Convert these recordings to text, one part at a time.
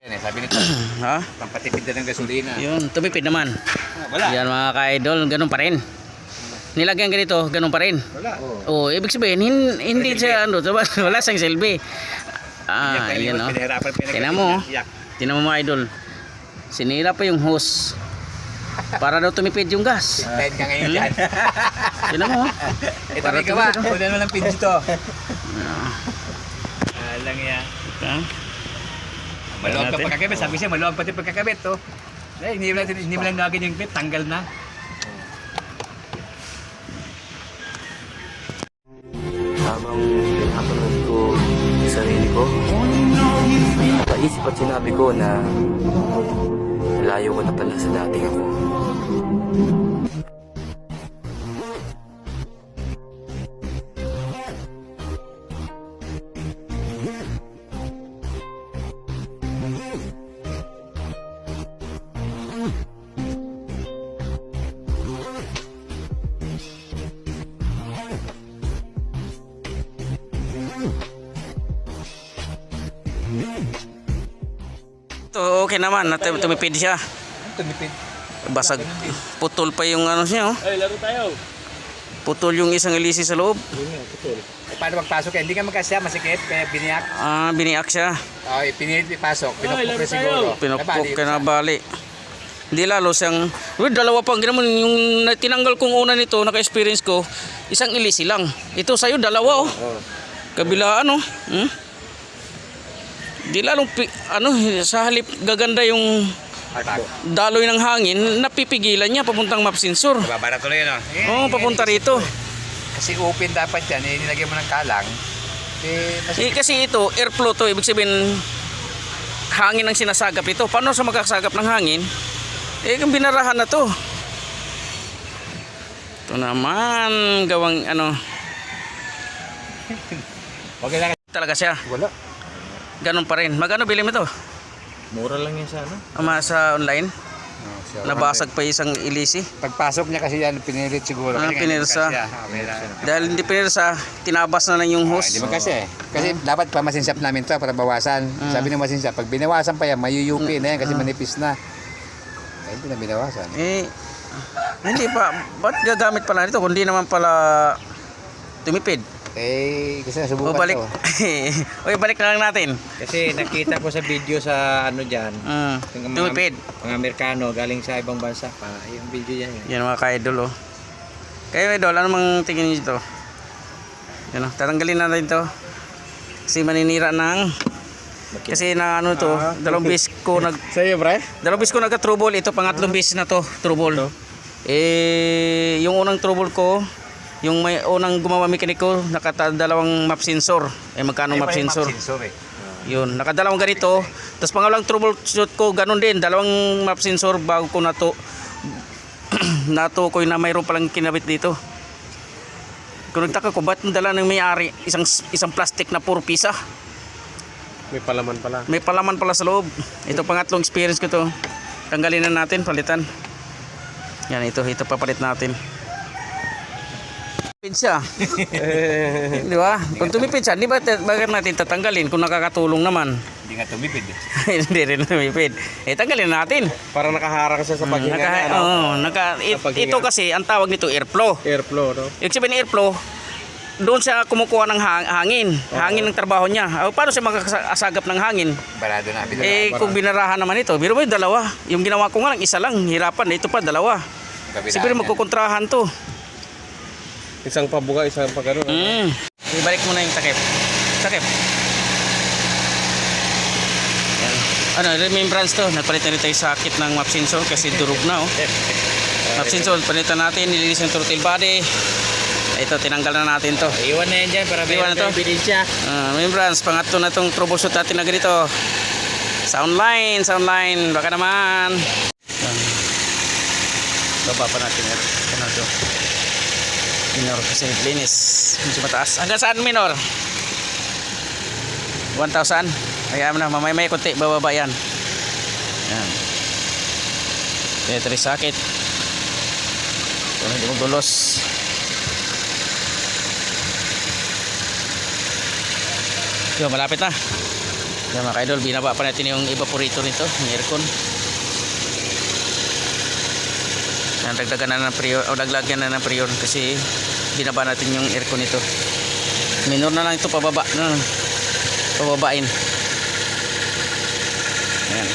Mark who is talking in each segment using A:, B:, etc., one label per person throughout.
A: Sabi nito,
B: Ha?
A: pampatipid na ng gasolina.
B: Yun, tumipid naman.
A: Wala.
B: Yan mga ka-idol, ganun pa rin. Nilagyan ganito, ganun pa rin.
A: Wala.
B: Oh, ibig sabihin, hindi siya ano, wala siyang silbi. Yan o. Tingnan mo, tingnan mo mga idol. Sinira pa yung hose. Para daw tumipid yung gas.
A: Tayo ka ngayon dyan.
B: Tingnan mo.
A: Ito
B: Para
A: may gawa.
B: tumipid,
A: Kunin mo lang pinch to. Alang yan. Maluwag pa pagkakabit. Sabi siya, maluwag pati pagkakabit to. Hindi mo lang nagin yung clip. Tanggal na.
C: Habang pinapanood ko yung sarili ko, napaisip at sinabi ko na layo ko na pala sa dating ako.
B: Ito okay naman, tumipid siya.
A: Tumipid.
B: Basag, putol pa yung ano siya. Oh.
A: Ay, laro tayo.
B: Putol yung isang ilisi sa loob.
A: Paano magpasok? Hindi ka magkasya, masikip, kaya biniyak.
B: Biniak siya.
A: Pinilit ipasok, pinupok na siguro.
B: Pinupok ka na bali. Hindi lalo siyang, dalawa pang ginawa yung tinanggal kong una nito, naka-experience ko, isang ilisi lang. Ito sa'yo, dalawa oh. Kabila ano. Di lalong sa halip gaganda yung daloy ng hangin, napipigilan niya papuntang map sensor.
A: Babara tuloy yun,
B: Oo, papunta rito.
A: Kasi open dapat yan, nilagyan mo ng kalang.
B: Kasi ito, airflow to, ibig sabihin hangin ang sinasagap ito. Paano sa magkasagap ng hangin? Kung binarahan na to. Ito naman, gawang ano.
A: Okay lang.
B: Talaga siya.
A: Wala.
B: Ganun pa rin. Magkano bili mo ito?
C: Mura lang yan sa ano?
B: Sa online? Nabasag pa isang ilisi.
A: Pagpasok niya kasi yan, pinilit siguro.
B: Pinirsa. Dahil hindi pinirsa, tinabas na lang yung hose.
A: Hindi mo kasi. Kasi dapat pa masinsap namin to para bawasan. Sabi ng masinsap, pag binawasan pa yan, mayuyupi na yan kasi manipis na. Kaya hindi na binawasan.
B: Hindi pa. Ba't gagamit pala nito? Kundi naman pala tumipid.
A: Kasi nasubukan
B: balik.
A: to.
B: Balik na lang natin.
D: Kasi nakita ko sa video sa ano dyan, yung
B: Tumipid.
D: mga Amerikano galing sa ibang bansa pa, yung video yan.
B: Yan mga ka-idol oh. Kayo idol, ano mang tingin nyo dito? Yan oh, tatanggalin natin ito. Kasi maninira ng kasi na ano to, dalawang bis ko
D: Sa'yo, pre?
B: dalawang bis ko nagka-trouble. Ito pangatlong bis na to, trouble. Yung unang trouble ko, yung may unang gumawa mekaniko, nakadalawang map sensor. Magkano map sensor? Yun, nakadalawang ganito. Tapos pangalawang troubleshoot ko, ganun din, dalawang map sensor bago ko natukoy na mayroon palang kinabit dito. Kung nagtaka ko, ba't dala ng may-ari isang plastic na puro pisa?
D: May palaman pala.
B: May palaman pala sa loob. Ito pangatlong experience ko to. Tanggalin na natin, palitan. Yan, ito papalit natin. Tumipid siya. Di ba? Kung tumipid siya, bakit natin tatanggalin kung nakakatulong naman?
A: Hindi nga tumipid.
B: Hindi rin tumipid. Tanggalin natin.
D: Para nakaharang siya sa paghinga.
B: Ito kasi, ang tawag nito airflow.
D: Airflow, no?
B: Ibig sabihin airflow, doon siya kumukuha ng hangin. Hangin ng trabaho niya. Paano siya makakasagap ng hangin?
A: Barado na.
B: Kung binarahan naman ito, biro mo yung dalawa. Yung ginawa ko nga lang, isa lang. Hirapan. Ito pa, dalawa. Siguro magkukontrahan to.
D: Isang pabuga, isang pagano.
B: Ibalik mo na yung takip. Takip. Yan. Remembrance to. Nagpalitan rin tayo sakit ng map sensor kasi durog na oh. Map sensor, palitan natin. Nilinis yung throttle body. Ito, tinanggal na natin to.
D: Iwan na yan dyan para
B: Iwan na to.
D: ebidensya.
B: Remembrance, pangatlo na itong troubleshoot natin na ganito. Sound line. Baka naman. Baba pa natin. Ano to? Minor kasi linis. Medyo mataas. Hanggang saan minor? 1,000. Kaya na, mamay kunti. Bababa yan. Yan. Ito rin sakit. Ito hindi mo dulos. Yo, malapit na. Yan mga kaidol, binaba pa natin yung evaporator nito, yung aircon. Yan, dagdagan na ng prior, o daglagyan na ng prior kasi binaba natin yung aircon nito. Minor na lang ito pababa, no? Pababain. Ayan.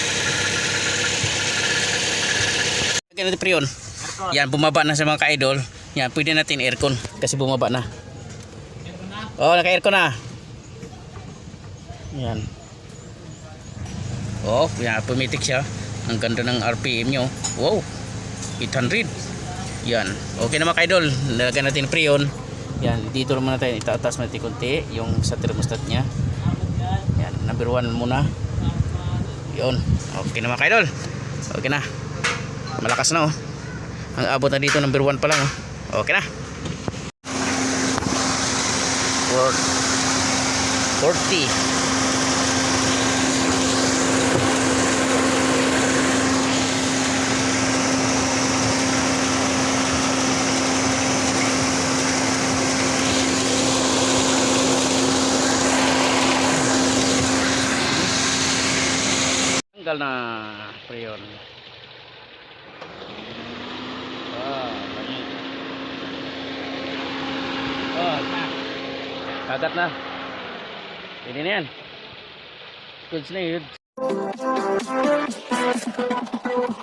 B: Lagyan natin prion. Yan, bumaba na sa mga ka-idol. Yan, pwede natin aircon kasi bumaba na. Oh, naka-aircon na. Yan. Oh, yan, pumitik siya. Ang ganda ng RPM nyo. Wow, 800. Yan, okay na mga ka-idol. Lagyan natin prion. Yan, dito naman natin itataas natin konti yung sa thermostat nya. Yan, number 1 muna. Yun, okay na mga ka-idol. Okay na. Malakas na oh. Ang abot na dito number 1 pa lang oh. Okay na. 40. Tanggal na prion. Kagat na. Pwede na yan. Goods na yun.